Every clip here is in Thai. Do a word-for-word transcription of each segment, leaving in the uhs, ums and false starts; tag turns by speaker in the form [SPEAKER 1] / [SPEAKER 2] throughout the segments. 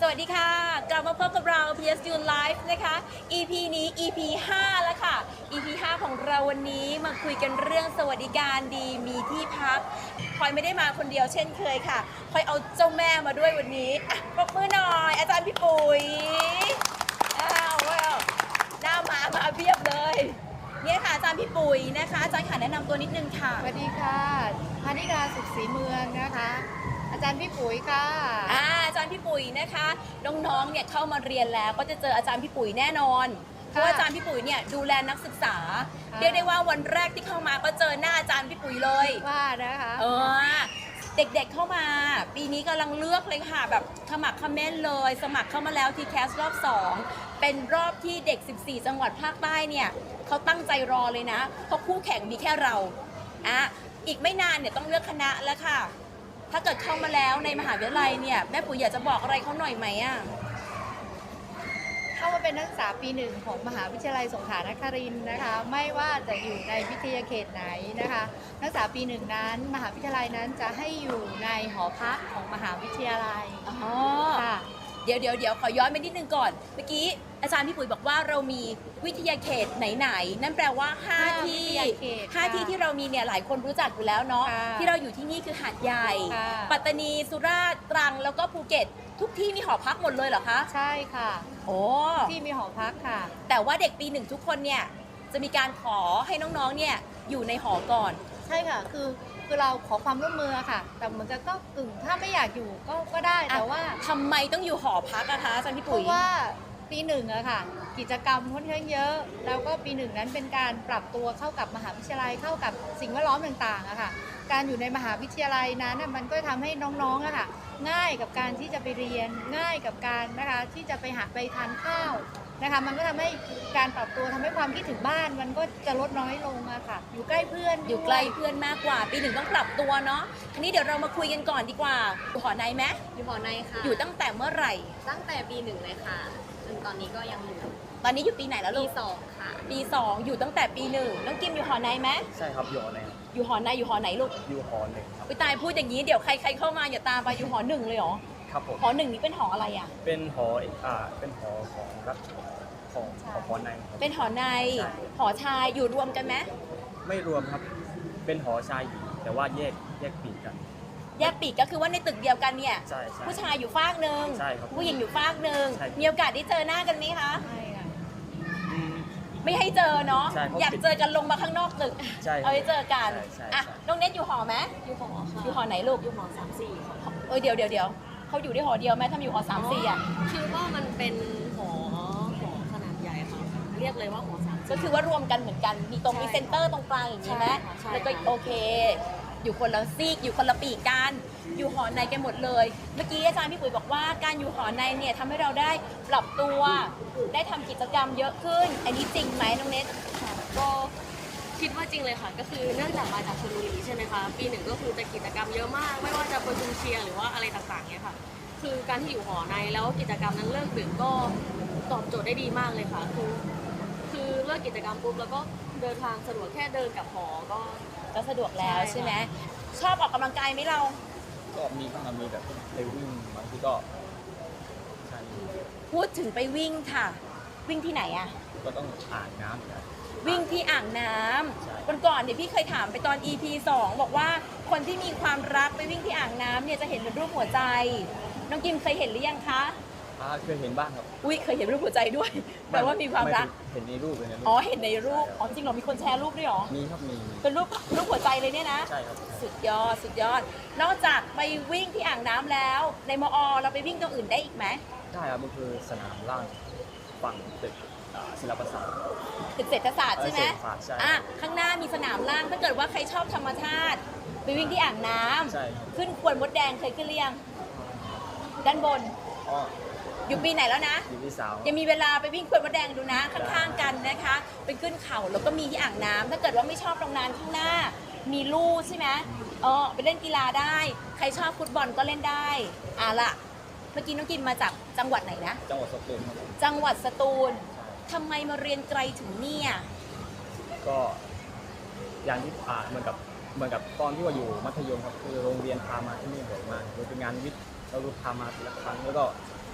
[SPEAKER 1] วัสดีค่ะกลับมาพบกับเรา พี เอส ยู Live นะคะ อี พี นี้ อี พี ห้า แล้วค่ะ อี พี ห้า ของเราวันนี้มาคุยกันเรื่องสวัสดิการดีมีที่พักพลอยไม่ได้มาคนเดียวเช่นเคยค่ะพลอยเอาเจ้าแม่มาด้วยวันนี้อ่ะปรบมือหน่อยอาจารย์พี่ปุ๋ยอ้าวว้าวหน้ามามาเพียบเลยเนี่ยค่ะอาจารย์พี่ปุ๋ยนะคะอาจารย์ค่ะแนะนำตัวนิดนึงค่ะ
[SPEAKER 2] สวัสดีค่ะพานิกาสุขศรีเมืองนะคะ อาจารย์พี่ปุ๋ยค่ะ
[SPEAKER 1] อ่าอาจารย์พี่ปุ๋ยนะคะน้องๆเนี่ยเข้ามาเรียนแล้วก็จะเจออาจารย์พี่ปุ๋ยแน่นอนเพราะว่าอาจารย์พี่ปุ๋ยเนี่ยดูแลนักศึกษาเรียกได้ว่าวันแรกที่เข้ามาก็เจอหน้าอาจารย์พี่ปุ๋ยเลย
[SPEAKER 2] ว่านะคะ
[SPEAKER 1] เออเด็กๆเข้ามาปีนี้กำลังเลือกเลยค่ะแบบขมักเขม้นเลยสมัครเข้ามาแล้วที่แคสรอบสองเป็นรอบที่เด็กสิบสี่จังหวัดภาคใต้เนี่ยเขาตั้งใจรอเลยนะเพราะคู่แข่งมีแค่เราอ่ะอีกไม่นานเนี่ยต้องเลือกคณะแล้วค่ะถ้าเกิดเข้ามาแล้วในมหาวิทยาลัยเนี่ยแม่ปุ๋ยอยากจะบอกอะไรเขาหน่อยไหมอ่ะ
[SPEAKER 2] เข้ามาเป็นนักศึกษาปีหนึ่งของมหาวิทยาลัยสงขลานครินทร์นะคะไม่ว่าจะอยู่ในวิทยาเขตไหนนะคะนักศึกษาปีหนึ่งนั้นมหาวิทยาลัยนั้นจะให้อยู่ในหอพักของมหาวิทยาลัย
[SPEAKER 1] อ๋อ
[SPEAKER 2] ค่ะ
[SPEAKER 1] เดี๋ยวเดี๋ยวเดี๋ยวขอย้อนไปนิดนึงก่อนเมื่อกี้อาจารย์พี่ปุ๋ยบอกว่าเรามีวิทยาเขตไหนๆนั่นแปลว่าห้าที่ห้าที่ที่เรามีเนี่ยหลายคนรู้จักอยู่แล้วเนาะที่เราอยู่ที่นี่คือหาดใหญ่ปัตตานีสุราษฎร์ตรังแล้วก็ภูเก็ตทุกที่มีหอพักหมดเลยเหรอคะ
[SPEAKER 2] ใช่ค่ะ
[SPEAKER 1] โอ้
[SPEAKER 2] ที่มีหอพักค่ะ
[SPEAKER 1] แต่ว่าเด็กปีหนึ่งทุกคนเนี่ยจะมีการขอให้น้องๆเนี่ยอยู่ในหอก่อน
[SPEAKER 2] ใช่ค่ะคือคือเราขอความร่วมมือค่ะแต่เหมือนกับก็กึ่งถ้าไม่อยากอยู่ก็ก็ได้แต่ว่า
[SPEAKER 1] ทำไมต้องอยู่หอพักอะคะอาจารย์พี่
[SPEAKER 2] ปุ๋
[SPEAKER 1] ย
[SPEAKER 2] เพราะว่าปีหนึ่งอะค่ะกิจกรรมค่อนข้างเยอะแล้วก็ปีหนึ่งนั้นเป็นการปรับตัวเข้ากับมหาวิทยาลัยเข้ากับสิ่งแวดล้อมต่างๆอะค่ะการอยู่ในมหาวิทยาลัยนั้นมันก็ทำให้น้องๆอะค่ะง่ายกับการที่จะไปเรียนง่ายกับการนะคะที่จะไปหาไปทานข้าวนะคะมันก็ทำให้การปรับตัวทำให้ความคิดถึงบ้านมันก็จะลดน้อยลงอะค่ะอยู่ใกล้เพื่อน
[SPEAKER 1] อยู่ใกล้เพื่อนมากกว่าปีหนึ่งต้องปรับตัวเนาะทีนี้เดี๋ยวเรามาคุยกันก่อนดีกว่าอยู่หอในไหม
[SPEAKER 3] อยู่หอในค่ะ
[SPEAKER 1] อยู่ตั้งแต่เมื่อไหร่
[SPEAKER 3] ตั้งแต่ปีหนึ่งเลยค่ะจนตอนนี้ก็ยังอยู่
[SPEAKER 1] ตอนนี้อยู่ปีไหนแล้วลู
[SPEAKER 3] กปี
[SPEAKER 1] ก
[SPEAKER 3] สองค่ะ
[SPEAKER 1] ปีสองอยู่ตั้งแต่ปีหนึ่งน้องกิมอยู่หอในไหม
[SPEAKER 4] ใช่ครับอยู่หอใน
[SPEAKER 1] อยู่หอในอยู่หอไหนลูก
[SPEAKER 4] อยู่หอหนึ่งครับ
[SPEAKER 1] ไปตายพูดอย่างนี้เดี๋ยวใครใครเข้ามาอย่าตามไปอยู่หอหนึ่งเลยเหรอ
[SPEAKER 4] ครับผม
[SPEAKER 1] หอหนึ่งนี้เป็นหออะไรอ่ะ
[SPEAKER 4] เป็นหออ่าเป็นหอของรัฐของของหอใน
[SPEAKER 1] เป็นหอในหอชายอยู่รวมกันไหม
[SPEAKER 4] ไม่รวมครับเป็นหอชายหญิงแต่ว่าแยกแยกปีกกัน
[SPEAKER 1] แยกปีกก็คือว่าในตึกเดียวกันเนี่ย
[SPEAKER 4] ใช่ใช่
[SPEAKER 1] ผู้ชายอยู่ฟากหนึ่งผู้หญิงอยู่ฟากหนึ่งมีโอกาสได้เจอหน้ากันไหมคะ
[SPEAKER 2] ไม่ค่ะ
[SPEAKER 1] ไม่ให้เจอเนาะอยากเจอกันลงมาข้างนอกตึกเอาให้เจอกันอ่ะน้องเน็ตอยู่หอไหม
[SPEAKER 3] อยู่หอค่ะ
[SPEAKER 1] อยู่หอไหนลูก
[SPEAKER 3] อยู่หอสามสี่
[SPEAKER 1] เออเดี๋ยวเดี๋ยวเดี๋ยวเขาอยู่ได้หอเดียวไหมถ้าอยู่หอสามสี่อ่ะ
[SPEAKER 3] คือว่ามันเป็นหอหอขนาดใหญ่ค่ะเรียกเลยว่าหอสาม
[SPEAKER 1] ก็คือว่ารวมกันเหมือนกันมีตรงมีเซ็นเตอร์ตรงกลางอย่างนี้ไหมแล้วก็โอเคอยู่คนละซีกอยู่คนละปีกกันอยู่หอในกันหมดเลยเมื่อกี้อาจารย์พี่ปุ๋ยบอกว่าการอยู่หอในเนี่ยทำให้เราได้ปรับตัวได้ทำกิจกรรมเยอะขึ้นอันนี้จริงไหมน้องเน็ต
[SPEAKER 3] ก็คิดว่าจริงเลยค่ะก็คือเนื่องจากมาจากชลบุรีใช่ไหมคะปีหนึ่งก็คือจะกิจกรรมเยอะมากไม่ว่าจะประชุมเชียร์หรือว่าอะไรต่างๆเนี่ยค่ะคือการที่อยู่หอในแล้วกิจกรรมนั้นเลิกดึกก็ตอบโจทย์ได้ดีมากเลยค่ะคือคือเลิกกิจกรรมปุ๊บแล้วก็เดินทางสะดวกแค่เดินกับหอก็
[SPEAKER 1] ก็สะดวกแล้วใช่ไหมชอบออกกำลังกายไหมเรา
[SPEAKER 4] ก็มีบ้างมีแบบไปวิ่งบางทีก็ใช่
[SPEAKER 1] พูดถึงไปวิ่งค่ะวิ่งที่ไหนอะ
[SPEAKER 4] ก็ต้องอ่างน้ำอยู่แล้ว
[SPEAKER 1] วิ่งที่อ่างน้ำวันก่อนเนี่ยพี่เคยถามไปตอน อี พี สองบอกว่าคนที่มีความรักไปวิ่งที่อ่างน้ำเนี่ยจะเห็นเป็นรูปหัวใจน้องกิมเคยเห็นหรือยังคะ
[SPEAKER 4] เคยเห็นบ้างครับ
[SPEAKER 1] อุ้ยเคยเห็นรูปหัวใจด้วยแปลว่ามีความรัก
[SPEAKER 4] เห็นในรูปเลยนะ
[SPEAKER 1] อ๋อเห็นในรูปอ๋อจริงเหรอมีคนแชร์รูปด้วยหรอ
[SPEAKER 4] มีครับมี
[SPEAKER 1] เป็นรูปรูปหัวใจเลยเนี่ยนะ
[SPEAKER 4] ใช่ครับ
[SPEAKER 1] สุดยอดสุดยอดนอกจากไปวิ่งที่อ่างน้ำแล้วในมอเราไปวิ่งตรงอื่นได้อีกไหม
[SPEAKER 4] ได้ครับมันคือสนามล่างฝั่งตึกศิลปศาสตร์
[SPEAKER 1] ตึกเศรษฐศาสตร์ใช่ไหม
[SPEAKER 4] อ่ะ
[SPEAKER 1] ข้างหน้ามีสนามล่างถ้าเกิดว่าใครชอบธรรมชาติไปวิ่งที่อ่างน้ำขึ้นควนมดแดงเคยขึ้นเรียงด้านบนอยู่ปีไหนแล้วนะ
[SPEAKER 4] อยู่ปีสาม
[SPEAKER 1] ยังมีเวลาไปวิ่งควนมดแดงดูนะข้างๆกันนะคะไปขึ้นเขาแล้วก็มีที่อ่างน้ำถ้าเกิดว่าไม่ชอบตรงนั้นข้างหน้ามีลู่ใช่ไหมเออไปเล่นกีฬาได้ใครชอบฟุตบอลก็เล่นได้อ่ะละเมื่อกี้น้องกินมาจากจังหวัดไหนนะ
[SPEAKER 4] จังหวัดสตูล
[SPEAKER 1] จังหวัดสตูลทำไมมาเรียนไกลถึงเนี่ย
[SPEAKER 4] ก็อย่างที่อ่าเหมือนกับเหมือนกับตอนที่ว่าอยู่มัธยมครับคือโรงเรียนพามาที่นี่บ่อยมากโดยเป็นงานวิทย์เราพามาทีละครั้งแล้วก็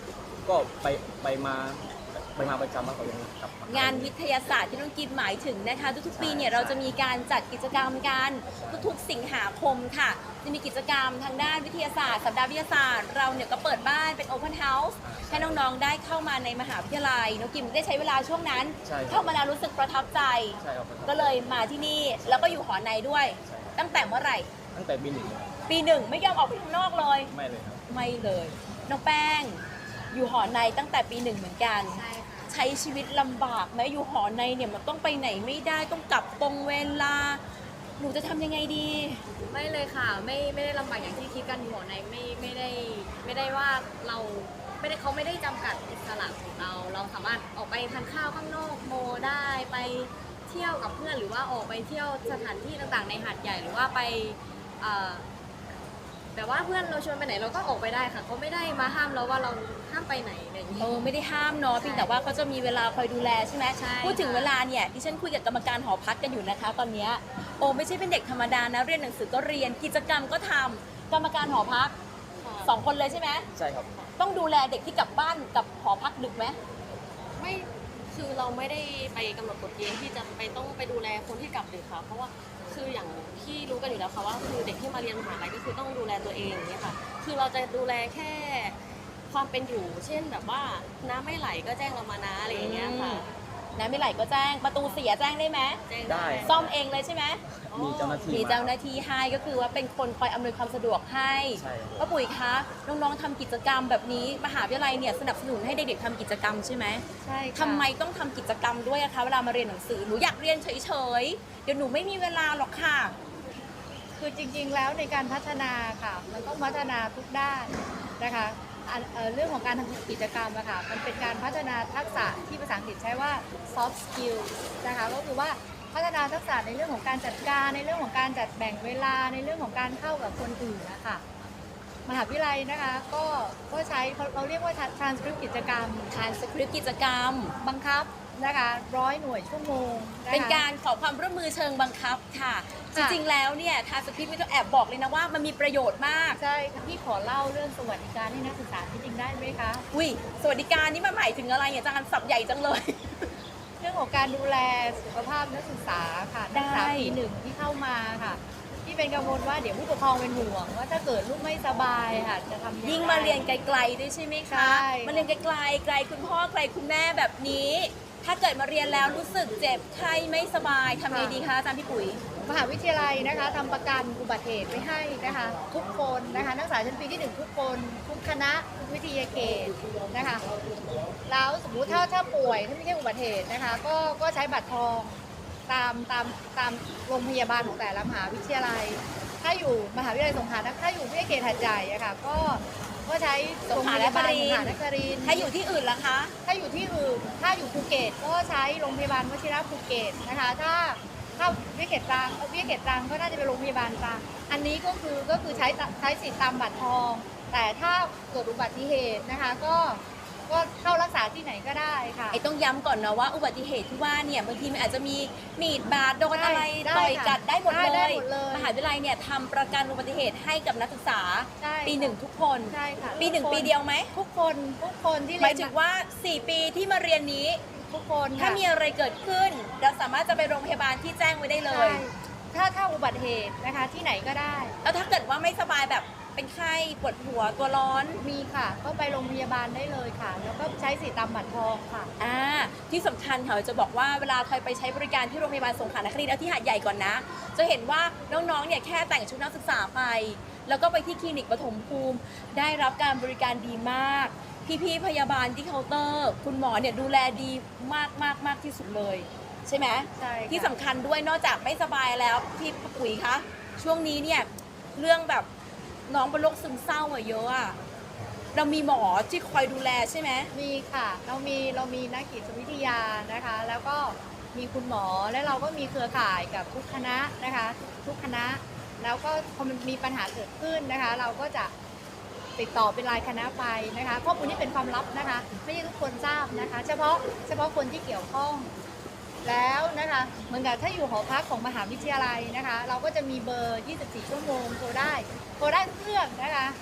[SPEAKER 4] ก็ไปไปมาไปมาประจำแล้วก็ยังกลับม
[SPEAKER 1] งานวิทยาศาสตร์ที่น้องกิมหมายถึงนะคะ ทุกๆปีเนี่ย
[SPEAKER 4] ใช่
[SPEAKER 1] เราจะมีการจัดกิจกรรมกันทุกๆสิงหาคมค่ะ จะมีกิจกรรมทางด้านวิทยาศาสตร์สัปดาห์วิทยาศาสตร์เราเนี่ยก็เปิดบ้านเป็น Open House ให้น้องๆได้เข้ามาในมหาวิทยาลัยน้องกิมได้ใช้เวลาช่วงนั้น
[SPEAKER 4] ใช่ครับ
[SPEAKER 1] เข้ามาแล้วรู้สึกประทับใจ
[SPEAKER 4] ใช่ครับ
[SPEAKER 1] ก็เลยมาที่นี่แล้วก็อยู่หอในด้วย
[SPEAKER 4] ใช่ครับ
[SPEAKER 1] ตั้งแต่เมื่อไหร่
[SPEAKER 4] ตั้งแต่ปีหนึ่งเลย
[SPEAKER 1] ปีหนึ่งไม่ยอมออกไปข้างนอกเลย
[SPEAKER 4] ไม่เลยครับ
[SPEAKER 1] ไม่เลยน้องแป้งอยู่หอในตั้งแต่ปีหนึ่งเหมือนกัน
[SPEAKER 2] ใช่ค่ะ
[SPEAKER 1] ใช้ชีวิตลำบากไหมอยู่หอในเนี่ยมันต้องไปไหนไม่ได้ต้องกลับตรงเวลา หนูจะทำยังไงดี
[SPEAKER 5] ไม่เลยค่ะไม่ไม่ได้ลำบากอย่างที่คิดกันหัวในไม่ไม่ได้ไม่ได้ว่าเราไม่ได้เขาไม่ได้จำกัดอิสระของเรา เราสามารถออกไปทานข้าวข้างนอกโมได้ไปเที่ยวกับเพื่อนหรือว่าออกไปเที่ยวสถานที่ต่างๆ ในหาดใหญ่หรือว่าไปเอ่อแต่ว่าเพื่อนเราชวนไปไหนเราก็ออกไปได้ค่ะเขาไม่ได้มาห้ามเราว่าเราห้ามไปไหนอะไรอย่างนี้
[SPEAKER 1] เออไม่ได้ห้ามเนาะเพียงแต่ว่าเขาจะมีเวลาคอยดูแลใช่ไหม
[SPEAKER 5] ใช่
[SPEAKER 1] พูดถึง
[SPEAKER 5] ค่ะ
[SPEAKER 1] เวลาเนี่ยดิฉันคุยกับกรรมการหอพักกันอยู่นะคะ ตอนเนี้ยโอ้ไม่ใช่เป็นเด็กธรรมดานะเรียนหนังสือก็เรียนกิจกรรมก็ทำกรรมการหอพักสองคนเลยใช่ไหม
[SPEAKER 4] ใช่ครับ
[SPEAKER 1] ต้องดูแลเด็กที่กลับบ้านกับหอพักดึกไหม
[SPEAKER 3] ไม่คือเราไม่ได้ไปกำหนดกฎเกณฑ์ที่จะไปต้องไปดูแลคนที่กลับดึกค่ะ เพราะว่าคืออย่างที่รู้กันอยู่แล้วค่ะว่าคือเด็กที่มาเรียนมหาลัยก็คือต้องดูแลตัวเองอย่างเงี้ยค่ะ คือเราจะดูแลแค่ความเป็นอยู่ เช่นแบบว่าน้ำไม่ไหลก็แจ้งเรามานะอะไรอย่างเงี้ยค่ะ
[SPEAKER 1] น้ำไม่ไหลก็แจ้งประตูเสียแจ้งได้ไหม
[SPEAKER 3] แจ้ง
[SPEAKER 4] ได้
[SPEAKER 1] ซ่อมเองเลยใช่ไหม
[SPEAKER 4] มีเจ้าหน้าที่
[SPEAKER 1] มีเจ้าหน้าที่ให้ก็คือว่าเป็นคนคอยอำนวยความสะดวกให้
[SPEAKER 4] ใช่ครับ
[SPEAKER 1] ป้าปุ๋ยคะน้องๆทำกิจกรรมแบบนี้มหาวิทยาลัยเนี่ยสนับสนุนให้เด็กๆทำกิจกรรมใช่ไหม
[SPEAKER 2] ใช่ค่ะ
[SPEAKER 1] ทำไมต้องทำกิจกรรมด้วยอะคะเวลามาเรียนหนังสือหนูอยากเรียนเฉยๆเดี๋ยวหนูไม่มีเวลาหรอกค่ะ
[SPEAKER 2] คือจริงๆ แล้วในการพัฒนาค่ะ มันต้องพัฒนาทุกด้านนะคะอันเอ่อเรื่องของการทำกิจกรรมอะค่ะมันเป็นการพัฒนาทักษะที่ภาษาอังกฤษใช้ว่า soft skill นะคะก็คือว่าพัฒนาทักษะในเรื่องของการจัดการในเรื่องของการจัดแบ่งเวลาในเรื่องของการเข้ากับคนอื่นนะคะมหาวิทยาลัยนะคะก็ก็ใช้เขาเราเรียกว่า transcript กิจกรรม
[SPEAKER 1] ทานสคริปต์กิจกรรม
[SPEAKER 2] บังคับนะคะร้อยหน่วยชั่วโมงะคะ
[SPEAKER 1] เป็นการขอความร่วมมือเชิงบังคับค่ะ จ
[SPEAKER 2] ค่ะ
[SPEAKER 1] ริงๆแล้วเนี่ยทานสคริปต์ไม่ต้องแอบบอกเลยนะว่ามันมีประโยชน์มาก
[SPEAKER 2] ใช่ค่ะพี่ขอเล่าเรื่องสวัสดิการให้นักศึกษาที่จริงได้ไหมคะ
[SPEAKER 1] อุ้ยสวัสดิการนี่มันหมายถึงอะไรเนี่ยอาจารย์สับใหญ่จังเลย
[SPEAKER 2] เรื่องของการดูแลสุขภาพนักศึกษาค่ะนักศึกษา
[SPEAKER 1] ได้
[SPEAKER 2] ปีหนึ่งที่เข้ามาค่ะที่เป็นกังวลว่าเดี๋ยวผู้ปกครองเป็นห่วงว่าถ้าเกิดลูกไม่สบายค่ะจะทำยังไง
[SPEAKER 1] ยิ่งมาเรียนไกลๆด้วยใช่ไหมคะ
[SPEAKER 2] ใช่
[SPEAKER 1] มาเรียนไกลๆไกลคุณพ่อไกลคุณแม่แบบนี้ ถ้าเกิดมาเรียนแล้วรู้สึกเจ็บไข้ไม่สบายทำไงดีคะอาจารย์พี่ปุ๋ย
[SPEAKER 2] มหาวิทยาลัยนะคะทำประกันอุบัติเหตุไว้ให้นะคะทุกคนนะคะนักศึกษาชั้นปีที่หนึ่งทุกคนทุกคณะทุกวิทยาเขตนะคะแล้วสมมุติถ้าถ้าป่วยถ้าไม่ใช่อุบัติเหตุนะคะก็ก็ใช้บัตรทองตามตามตามโรงพยาบาลของแต่ละมหาวิทยาลัย ถ้าอยู่มหาวิทยาลัยสงขลานะถ้าอยู่วิทยาเขตหัดใหญ่อะค่ะก็ก็ใช้โรงพยาบาลสงขลานครินทร์
[SPEAKER 1] ถ้าอยู่ที่อื่นล่ะคะ
[SPEAKER 2] ถ้าอยู่ที่อื่นถ้าอยู่ภูเก็ตก็ใช้โรงพยาบาลวชิระภูเก็ตนะคะถ้าถ้าวิทยาเขตตรังเอ่อวิทยาเขตตรังก็น่าจะเป็นโรงพยาบาลตรังอันนี้ก็คือก็คือใช้ใช้สิทธิ์ตามบัตรทอง แต่ถ้าเกิดอุบัติเหตุนะคะก็ก็เข้ารักษาที่ไหนก็ได้ค่ะ
[SPEAKER 1] ไอ้ต้องย้ำก่อนนะว่าอุบัติเหตุที่ว่าเนี่ยบางทีมันอาจจะมีมีดบาดโดนอะไร
[SPEAKER 2] ได้
[SPEAKER 1] ต่อย
[SPEAKER 2] ค่ะ
[SPEAKER 1] กัดได้หมด
[SPEAKER 2] ได้
[SPEAKER 1] เล
[SPEAKER 2] ได้
[SPEAKER 1] ย
[SPEAKER 2] หมดเลย
[SPEAKER 1] มหาวิทยาลัยเนี่ยทำประกันอุบัติเหตุให้กับนักศึกษา
[SPEAKER 2] ใช่
[SPEAKER 1] ปีหนึ่งทุกคน
[SPEAKER 2] ใช่ค่ะ
[SPEAKER 1] ปีหนึ่ง
[SPEAKER 2] ทุกคน
[SPEAKER 1] ปีเดียวไหม
[SPEAKER 2] ทุกคนทุกคนที่
[SPEAKER 1] ห
[SPEAKER 2] เรี
[SPEAKER 1] มาย
[SPEAKER 2] น
[SPEAKER 1] ถึงว่าสี่ปีที่มาเรียนนี้
[SPEAKER 2] ทุกคน
[SPEAKER 1] ถ้า
[SPEAKER 2] ค่ะ
[SPEAKER 1] มีอะไรเกิดขึ้น เราสามารถจะไปโรงพยาบาลที่แจ้งไว้ได้เล
[SPEAKER 2] ใช่
[SPEAKER 1] ย
[SPEAKER 2] ถ้าถ้าอุบัติเหตุนะคะที่ไหนก็ได้
[SPEAKER 1] แล้วถ้าเกิดว่าไม่สบายแบบเป็นไข้ปวดหัวตัวร้อน
[SPEAKER 2] มีค่ะ ก็ไปโรงพยาบาลได้เลยค่ะ แล้วก็ใช้สิทธิ์ตามบัตรทองค่ะ
[SPEAKER 1] อ่าที่สำคัญค่ะจะบอกว่าเวลาใครไปใช้บริการที่โรงพยาบาลสงขลานครินทร์เอาที่หาดใหญ่ก่อนนะ จะเห็นว่าน้องๆเนี่ยแค่แต่งชุดนักศึกษาไป แล้วก็ไปที่คลินิกปฐมภูมิ ได้รับการบริการดีมาก พี่ๆพยาบาลที่เคาน์เตอร์ คุณหมอเนี่ยดูแลดีมากมากมากที่สุดเลย ใช่ไหม
[SPEAKER 2] ใช่ค่ะ
[SPEAKER 1] ที่สำคัญด้วยนอกจากไม่สบายแล้วพี่ปุ๋ยคะช่วงนี้เนี่ยเรื่องแบบน้องเป็นโรคซึมเศร้าอะเยอะอะเรามีหมอที่คอยดูแลใช่ไหม
[SPEAKER 2] มีค่ะ เรามีเรามีนักจิตวิทยานะคะ แล้วก็มีคุณหมอและเราก็มีเครือข่ายกับทุกคณะนะคะ ทุกคณะ แล้วก็พอมันมีปัญหาเกิดขึ้นนะคะ เราก็จะติดต่อเป็นรายคณะไปนะคะข้อมูลนี้เป็นความลับนะคะ ไม่ใช่ทุกคนทราบนะคะ เฉพาะเฉพาะคนที่เกี่ยวข้อง แล้วนะคะเหมือนกับถ้าอยู่หอพักของมหาวิทยาลัยนะคะ เราก็จะมีเบอร์ ยี่สิบสี่ ชั่วโมงโทรได้โทรได้ทุกเรื่องนะคะ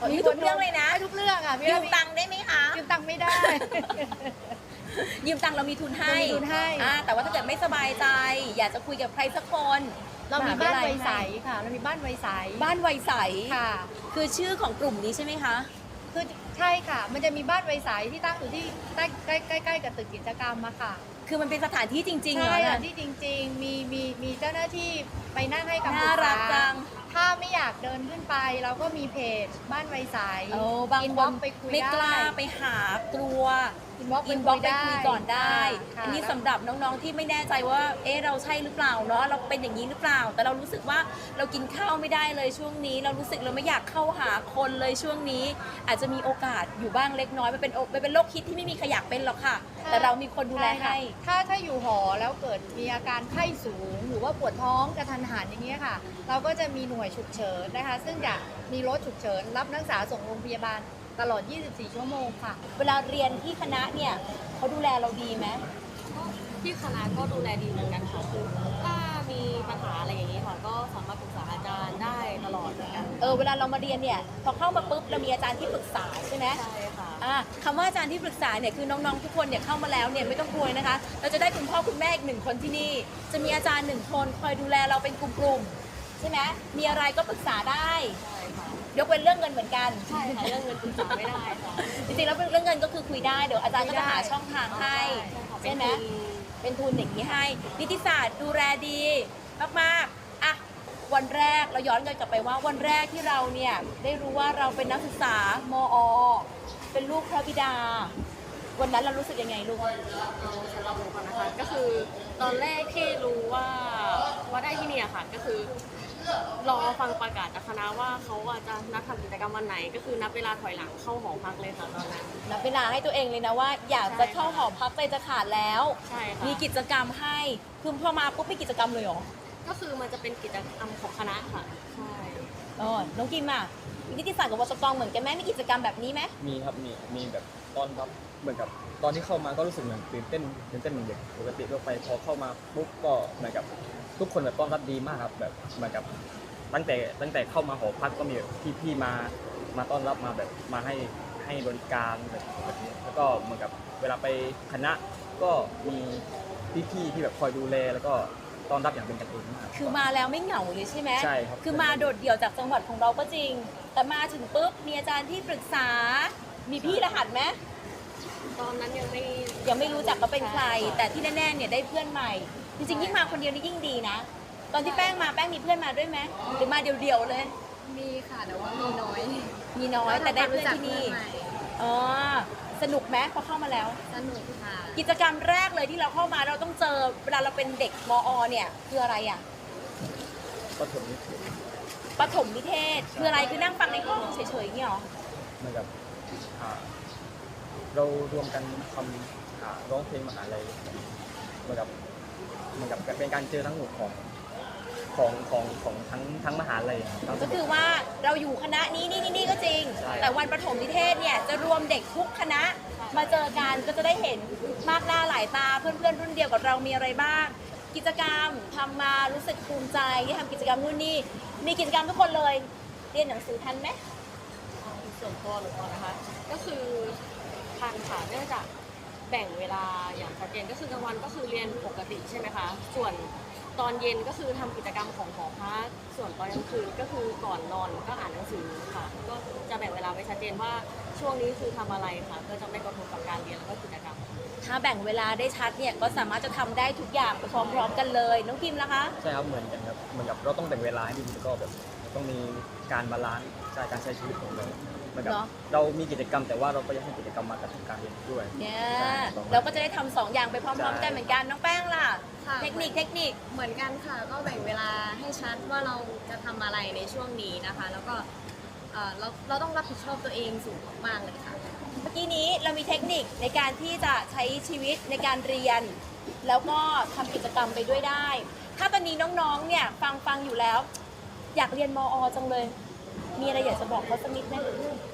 [SPEAKER 1] มีทุกเรื่องเลยนะ
[SPEAKER 2] ทุกเรื่องอ่ะ
[SPEAKER 1] ยืมตังค์ได้ไหมคะ
[SPEAKER 2] ยืมตังค์ไม่ได้
[SPEAKER 1] ยืมตังค์เรามีทุนให้
[SPEAKER 2] เรามีทุนให้
[SPEAKER 1] อ่าแต่ว่าถ้าเกิดไม่สบายใจ อยากจะคุยกับใครสักคน
[SPEAKER 2] เรามีบ้านไวใส
[SPEAKER 1] ให้
[SPEAKER 2] ค่ะ เรามีบ้านไวใส
[SPEAKER 1] บ้านไวใส
[SPEAKER 2] ค่ะ
[SPEAKER 1] คือชื่อของกลุ่มนี้ใช่ไหมคะ
[SPEAKER 2] คือใช่ค่ะ มันจะมีบ้านไวใสที่ตั้งอยู่ที่ใกล้ใกล้ใกล้ใกล้กับตึกกิจกรรมอะค่ะ
[SPEAKER 1] คือมันเป็นสถานที่จริงๆเหร
[SPEAKER 2] ใช่
[SPEAKER 1] อ
[SPEAKER 2] ค่ะ
[SPEAKER 1] เนี่ย
[SPEAKER 2] ที่จริง ๆ มีมีมีเจ้าหน้าที่ไปนั่งให้คำปรึ
[SPEAKER 1] น่าก รัก
[SPEAKER 2] ษา
[SPEAKER 1] จัง
[SPEAKER 2] ถ้าไม่อยากเดินขึ้นไป เราก็มีเพจบ้านไวใส
[SPEAKER 1] โอ้บาง
[SPEAKER 2] อิน
[SPEAKER 1] ค
[SPEAKER 2] บ็อน กไปคุย
[SPEAKER 1] ไม่กล้า
[SPEAKER 2] ได้
[SPEAKER 1] ไปหากลัว
[SPEAKER 2] อินบ็อก
[SPEAKER 1] อินบ็อกซ์ไปคุยก่อนได้
[SPEAKER 2] ค่ะ
[SPEAKER 1] อันนี้สำหรับน้องๆที่ไม่แน่ใจว่า เอ๊ะเราใช่หรือเปล่าเนาะ เราเป็นอย่างนี้หรือเปล่า แต่เรารู้สึกว่าเรากินข้าวไม่ได้เลยช่วงนี้ เรารู้สึกเราไม่อยากเข้าหาคนเลยช่วงนี้ อาจจะมีโอกาสอยู่บ้างเล็กน้อย มันเป็นโอมันเป็นโรคคิดที่ไม่มีใครอยากเป็นหรอกค่ะ แต่เรามีคนดูแลให้
[SPEAKER 2] ถ้าถ้าอยู่หอแล้วเกิดมีอาการไข้สูง หรือว่าปวดท้องกระทันหันอย่างเงี้ยค่ะ เราก็จะมีหน่วยฉุกเฉินนะคะ ซึ่งจะมีรถฉุกเฉินรับนักศึกษาส่งโรงพยาบาลตลอด ยี่สิบสี่ ชั่วโมงค่ะ
[SPEAKER 1] เวลาเรียนที่คณะเนี่ยเขาดูแลเราดีไหม
[SPEAKER 3] ที่คณะก็ดูแลดีเหมือนกันค่ะคือถ้ามีปัญหาอะไรอย่างนี้ค่ะ ก็สามารถปรึกษาอาจารย์ได้ตลอดเหมือนกัน
[SPEAKER 1] เออ เวลาเรามาเรียนเนี่ย พอเข้ามาปุ๊บเรามีอาจารย์ที่ปรึกษาใช่ไหม
[SPEAKER 3] ใช่ค่ะ
[SPEAKER 1] อ่าคำว่าอาจารย์ที่ปรึกษาเนี่ยคือน้องๆทุกคนเนี่ยเข้ามาแล้วเนี่ยไม่ต้องกลัวนะคะ เราจะได้คุณพ่อคุณแม่อีกหนึ่งคนที่นี่ จะมีอาจารย์หนึ่งคนคอยดูแลเราเป็นกลุ่มๆใช่ไหมมีอะไรก็ปรึกษาได้
[SPEAKER 3] ใช่ค่ะ
[SPEAKER 1] ยกเว้นเรื่องเงินเหมือนกัน
[SPEAKER 3] ใช่ค่ะ เรื่องเงินปรึกษาไม่ได้ค่ะ
[SPEAKER 1] จริงๆแล้วเรื่องเงินก็คือคุยได้เดี๋ยวอาจารย์ก็จะหาช่องทางให้
[SPEAKER 3] ใช่ค่ะ
[SPEAKER 1] ใช่ไหม เป็นทุนอย่างนี้ให้ นิติศาสตร์ดูแลดีมากๆ อ่ะ วันแรกเราย้อนกันกลับไปว่าวันแรกที่เราเนี่ยได้รู้ว่าเราเป็นนักศึกษามอ เป็นลูกพระบิดา วันนั้นเรารู้สึกยังไงลูก
[SPEAKER 3] เอาสำหรับหนูก่อนนะคะก็คือตอนแรกที่รู้ว่าว่าได้ที่เนี่ยค่ะก็คือรอฟังประกาศจากคณะว่าเขาอาจจะนัดทำกิจกรรมวันไหน ก็คือนับเวลาถอยหลังเข้าหอพักเลยค่ะตอนนั้น
[SPEAKER 1] นับเวลาให้ตัวเองเลยนะว่า อยากจะเข้าหอพักใจจะขาดแล้ว
[SPEAKER 3] ใช่ค่ะ
[SPEAKER 1] มีกิจกรรมให้ คือพอมาปุ๊บมีกิจกรรมเลยเหรอ
[SPEAKER 3] ก็คือมันจะเป็นกิจกรรมของคณะค่ะใช่
[SPEAKER 1] อ๋อน้องกิมอ่ะนิติศาสตร์กับวสกเหมือนกันไหมมีกิจกรรมแบบนี้ไหม
[SPEAKER 4] มีครับมีมีแบบตอนรับเหมือนกับตอนที่เข้ามาก็รู้สึกเหมือนตื่นเต้นตื่นเต้นเหมือนเด็กปกติทั่วไปพอเข้ามาปุ๊บก็เหมือนกับทุกคนแบบต้อนรับดีมากครับแบบเหมือนกับตั้งแต่ตั้งแต่เข้ามาหอพักก็มีแบบพี่ๆมามาต้อนรับมาแบบมาให้ให้บริการแบบแบบนี้แล้วก็เหมือนกับเวลาไปคณะก็มีพี่ๆที่แบบคอยดูแลแล้วก็ต้อนรับอย่างเป็นกันเองมาก
[SPEAKER 1] คือมาแล้วไม่เหงาเลยใช่ไหม
[SPEAKER 4] ใช่ครับ
[SPEAKER 1] คือมาโดดเดี่ยวจากจังหวัดของเราก็จริง แต่มาถึงปุ๊บมีอาจารย์ที่ปรึกษา มีพี่รหัสไหม
[SPEAKER 3] ตอนนั้นยังไม่
[SPEAKER 1] ยังไม่รู้จักว่าเป็นใคร
[SPEAKER 3] ใช่ค่ะ
[SPEAKER 1] แต่ที่แน่ๆเนี่ยได้เพื่อนใหม่ จริงๆยิ่งมาคนเดียวนี่ยิ่งดีนะ ตอนที่แป้งมาแป้งมีเพื่อนมาด้วยไหมหรือมาเดี่ยวๆเลย
[SPEAKER 5] มีค่ะแต่ว่ามีน้อย
[SPEAKER 1] มีน้อยแต่ได้เพื่อนที่นี่
[SPEAKER 5] ใหม่
[SPEAKER 1] อ๋อสนุกไหมพอเข้ามาแล้ว
[SPEAKER 5] สนุกค่ะ
[SPEAKER 1] กิจกรรมแรกเลยที่เราเข้ามาเราต้องเจอเวลาเราเป็นเด็กมอ เนี่ยคืออะไรอ่ะ
[SPEAKER 4] ก็ถึงนี้
[SPEAKER 1] ปฐมนิเทศคืออะไรคือนั่งฟังในห้องเฉยๆอย่างเงี้ยเหรอ
[SPEAKER 4] เหมือนกับอ่าเรารวมกันทำอ่าร้องเพลงมหาลัยเหมือนกับเหมือนกับเป็นการเจอทั้งหมดของของของของทั้งทั้งมหาลัยทั้ง
[SPEAKER 1] ก็คือว่าเราอยู่คณะนี้นี่นี่นี่ก็จริง
[SPEAKER 4] ใช่
[SPEAKER 1] แต่วันประถมนิเทศเนี่ยจะรวมเด็กทุกคณะมาเจอกันก็จะได้เห็นมากหน้าหลายตาเพื่อนๆรุ่นเดียวกับเรามีอะไรบ้าง กิจกรรมทำมารู้สึกภูมิใจที่ทำกิจกรรมนู่นนี่มีกิจกรรมทุกคนเลย เรียนหนังสือทันไหม
[SPEAKER 3] ส่วนตัวหนูก่อนนะคะ ก็คือทันค่ะเนื่องจากแบ่งเวลาอย่างชัดเจนก็คือกลางวันก็คือเรียนปกติใช่ไหมคะ ส่วนตอนเย็นก็คือทำกิจกรรมของหอพักส่วนตอนกลางคืนก็คือก่อนนอนก็อ่านหนังสือค่ะ ก็จะแบ่งเวลาไว้ชัดเจนว่าช่วงนี้คือทำอะไรค่ะเพื่อจะไม่กระทบกับการเรียนแล้วก็กิจกรรม
[SPEAKER 1] ถ้าแบ่งเวลาได้ชัดเนี่ยก็สามารถจะทำได้ทุกอย่างไปพร้อมๆกันเลยน้องพิมพ์ล่ะคะ
[SPEAKER 4] ใช่ครับเหมือนกันครับเหมือนกับเราต้องแบ่งเวลาให้ดีแล้วก็แบบต้องมีการบาลานซ์ใช่การใช้ชีวิตของเราเหมือนกับ
[SPEAKER 1] เนอะ
[SPEAKER 4] เรามีกิจกรรมแต่ว่าเราก็ยังให้กิจกรรมมากับการเรียนด้วย
[SPEAKER 1] เนี่ย
[SPEAKER 4] ใช่ต้อง
[SPEAKER 1] เราก็จะได้ทำสองอย่างไปพร้อมๆกัน
[SPEAKER 4] ใช่
[SPEAKER 1] เหมือนกันน้องแป้งล่ะ
[SPEAKER 5] ค่ะ
[SPEAKER 1] เทคนิคเทคนิค
[SPEAKER 5] เหมือนกันค่ะ ก็แบ่งเวลาให้ชัดว่าเราจะทำอะไรในช่วงนี้นะคะ แล้วก็เอ่อเราเราต้องรับผิดชอบตัวเองสูงมากๆเลยค่ะ
[SPEAKER 1] เมื่อกี้นี้เรามีเทคนิคในการที่จะใช้ชีวิตในการเรียน แล้วก็ทำกิจกรรมไปด้วยได้ ถ้าตอนนี้น้องๆเนี่ยฟังฟังอยู่แล้ว อยากเรียนมอ จังเลย มีอะไรอยากจะบอกเขาสักนิดไหม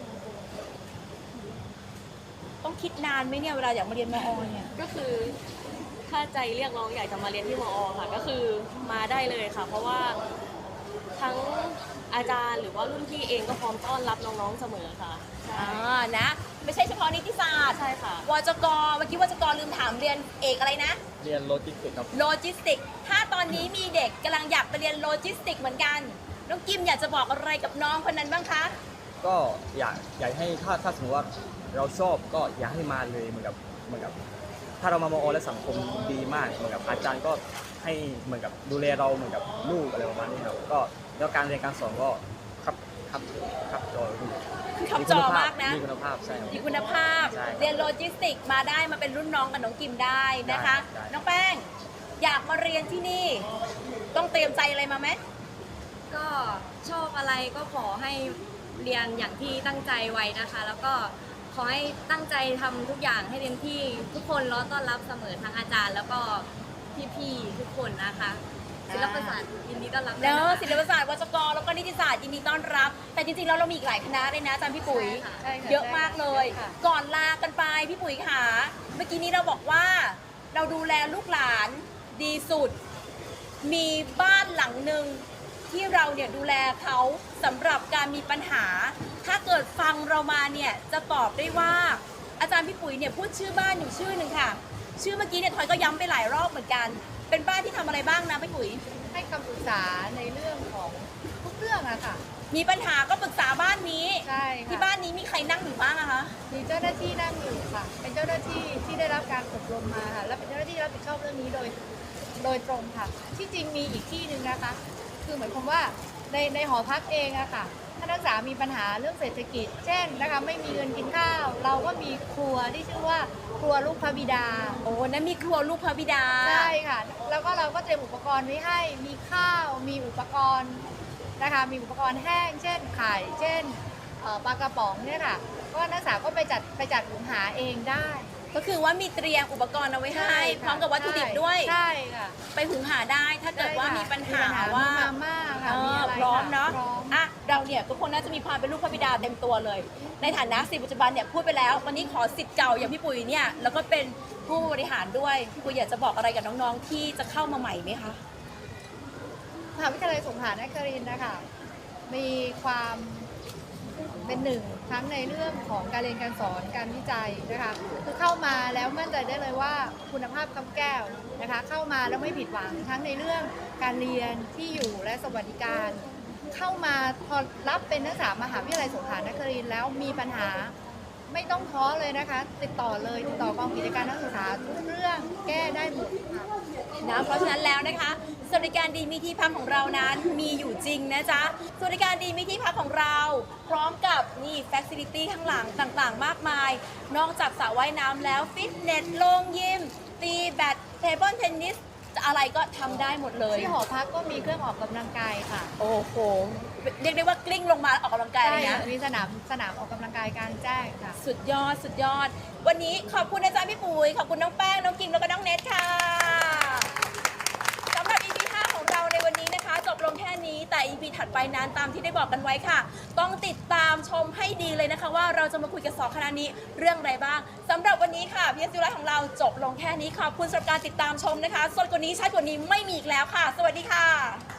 [SPEAKER 1] ต้องคิดนานไหมเนี่ยเวลาอยากมาเรียนมอ เนี่ย
[SPEAKER 3] ก็คือถ้าใจเรียกร้องอยากจะมาเรียนที่มอ ค่ะ ก็คือมาได้เลยค่ะ เพราะว่าทั้งอาจารย์หรือว่ารุ่นพี่เองก็พร้อมต้อนรับน้องๆเสมอค่ะใช่
[SPEAKER 1] อ่านะไม่ใช่เฉพาะนิติศาสตร์
[SPEAKER 3] ใช่ค่ะ
[SPEAKER 1] วจกเมื่อกี้วจกลืมถามเรียนเอกอะไรนะ
[SPEAKER 4] เรียนโลจิสติกส์ครับ
[SPEAKER 1] โลจิสติก ถ้าตอนนี้มีเด็กกำลังอยากไปเรียนโลจิสติกเหมือนกัน น้องกิมอยากจะบอกอะไรกับน้องคนนั้นบ้างคะ
[SPEAKER 4] ก็อยากอยากให้ถ้าถ้าสมมติว่าเราชอบก็อยากให้มาเลยเหมือนกับเหมือนกับ ถ้าเรามามอแล้วสังคมดีมากเหมือนกับอาจารย์ก็ให้เหมือนกับดูแลเราเหมือนกับลูกอะไรประมาณนี้ครับก็แล้วการเรียนการสอนก็ครับครับครับจอดี
[SPEAKER 1] ขับจอมากนะ
[SPEAKER 4] มีคุณภาพใช่ครับ
[SPEAKER 1] มีคุณภาพ
[SPEAKER 4] ใช่ครับ
[SPEAKER 1] เรียนโลจิสติกมาได้มาเป็นรุ่นน้องกับน้องกิมได้นะคะ
[SPEAKER 4] ได้ได้
[SPEAKER 1] น้องแป้ง อยากมาเรียนที่นี่ ต้องเตรียมใจอะไรมาไหม
[SPEAKER 5] ก็ชอบอะไรก็ขอให้เรียนอย่างที่ตั้งใจไว้นะคะ แล้วก็ขอให้ตั้งใจทำทุกอย่างให้เต็มที่ทุกคนรอต้อนรับเสมอทั้งอาจารย์ แล้วก็พี่ๆทุกคนนะคะศิลปศาสตร์ยินดีต้อนรับ
[SPEAKER 1] เนอะ
[SPEAKER 5] ด้วย
[SPEAKER 1] ศิลปศาสตร์วจกแล้วก็นิติศาสตร์ยินดีต้อนรับ แต่จริงๆแล้วเรามีอีกหลายคณะเลยนะอาจารย์พี่ปุ๋ย
[SPEAKER 5] ค่ะ
[SPEAKER 2] ใช่ค่ะ
[SPEAKER 1] เยอะมากเลย
[SPEAKER 2] ใช่ค่ะ
[SPEAKER 1] ก่อนลากันไปพี่ปุ๋ยค่ะ เมื่อกี้นี้เราบอกว่าเราดูแลลูกหลานดีสุด มีบ้านหลังหนึ่งที่เราเนี่ยดูแลเขาสำหรับการมีปัญหา ถ้าเกิดฟังเรามาเนี่ยจะตอบได้ว่าอาจารย์พี่ปุ๋ยเนี่ยพูดชื่อบ้านอยู่ชื่อหนึ่งค่ะ ชื่อเมื่อกี้เนี่ยทอยก็ย้ำไปหลายรอบเหมือนกัน เป็นบ้านที่ทำอะไรบ้างนะพี่ปุ๋ย
[SPEAKER 2] ให้คำปรึกษาในเรื่องของทุกเรื่องอะค่ะ
[SPEAKER 1] มีปัญหาก็ปรึกษาบ้านนี้
[SPEAKER 2] ใช่ค่ะ
[SPEAKER 1] ที่บ้านนี้มีใครนั่งอยู่บ้างอะคะ
[SPEAKER 2] มีเจ้าหน้าที่นั่งอยู่ค่ะ เป็นเจ้าหน้าที่ที่ได้รับการอบรมมาค่ะ และเป็นเจ้าหน้าที่รับผิดชอบเรื่องนี้โดยโดยตรงค่ะ ที่จริงมีอีกที่หนึ่งนะคะ คือเหมือนความว่าในในหอพักเองอะค่ะถ้านักศึกษามีปัญหาเรื่องเศรษฐกิจ เช่นนะคะไม่มีเงินกินข้าว เราก็มีครัวที่ชื่อว่าครัวลูกพระบิดา
[SPEAKER 1] โอ้นั่นมีครัวลูกพระบิดา
[SPEAKER 2] ใช่ค่ะ แล้วก็เราก็เตรียมอุปกรณ์ไว้ให้ มีข้าว มีอุปกรณ์นะคะ มีอุปกรณ์แห้ง เช่นไข่ เช่นเอ่อปลากระป๋องเนี่ยค่ะ ก็นักศึกษาก็ไปจัดไปจัดหุงหาเองได้
[SPEAKER 1] ก็คือว่ามีเตรียมอุปกรณ์เอาไว้ให้ พร้อมกับวัตถุดิบด้วย
[SPEAKER 2] ใช่ค่ะ
[SPEAKER 1] ไปหุงหาได้ถ้าเกิดว่ามีปัญหา
[SPEAKER 2] มี
[SPEAKER 1] ว่า
[SPEAKER 2] มาม่าค่ะ
[SPEAKER 1] เอ
[SPEAKER 2] มี
[SPEAKER 1] อ
[SPEAKER 2] อะไร
[SPEAKER 1] พร้อม
[SPEAKER 2] ค่
[SPEAKER 1] เนาะ
[SPEAKER 2] พร้อม
[SPEAKER 1] อ่ะเราเนี่ยทุกคนน่าจะมีความเป็นลูกพระบิดาเต็มตัวเลย ในฐานะศิษย์ปัจจุบันเนี่ยพูดไปแล้ว วันนี้ขอสิทธิ์เก่าอย่างพี่ปุ๋ยเนี่ยแล้วก็เป็นผู้บริหารด้วยพี่ปุ๋ยอยากจะบอกอะไรกับน้องๆที่จะเข้ามาใหม่ไหมคะ
[SPEAKER 2] มหาวิทยาลัยสงขลานครินทร์นะคะมีความเป็นหนึ่งทั้งในเรื่องของการเรียนการสอนการวิจัยนะคะคือเข้ามาแล้วมั่นใจได้เลยว่าคุณภาพคำแก้วนะคะเข้ามาแล้วไม่ผิดหวังทั้งในเรื่องการเรียนที่อยู่และสวัสดิการ เข้ามาพอรับเป็นนักศึกษามหาวิทยาลัยสงขลานครินทร์แล้วมีปัญหาไม่ต้องท้อเลยนะคะ ติดต่อเลยติดต่อกองกิจการนักศึกษาทุกเรื่องแก้ได้หมดค่ะ
[SPEAKER 1] นะเพราะฉะนั้นแล้วนะคะสวัสดิการดีมีที่พักของเรานั้นมีอยู่จริงนะจ๊ะสวัสดิการดีมีที่พักของเรา พร้อมกับนี่แฟซิลิตี้ข้างหลังต่างๆ มากมาย นอกจากสระว่ายน้ำแล้วฟิตเนสโรงยิมตีแบดเทเบิลเทนนิสอะไรก็ทำได้หมดเลย
[SPEAKER 2] ที่หอพักก็มีเครื่องออกกำลังกายค่ะ
[SPEAKER 1] โอ้โหเรียกได้ว่ากลิ้งลงมาออกกำลังกายเลยนะ
[SPEAKER 2] มีสนามสนามออกกำลังกายกลางแจ้งค่ะ
[SPEAKER 1] สุดยอดสุดยอด วันนี้ขอบคุณอาจารย์พี่ปุ๋ยขอบคุณน้องแป้งน้องกิมแล้วก็น้องเนทค่ะสำหรับ อี พี ห้าของเราในวันนี้นะคะ จบลงแค่นี้แต่ อี พี ถัดไปนั้นตามที่ได้บอกกันไว้ค่ะ ต้องติดตามชมให้ดีเลยนะคะ ว่าเราจะมาคุยกับสองคณะนี้เรื่องอะไรบ้างสำหรับวันนี้ค่ะ พี เอส ยู Live ของเราจบลงแค่นี้ขอบคุณสำหรับการติดตามชมนะคะสดกว่านี้ชัดกว่านี้ไม่มีอีกแล้วค่ะ สวัสดีค่ะ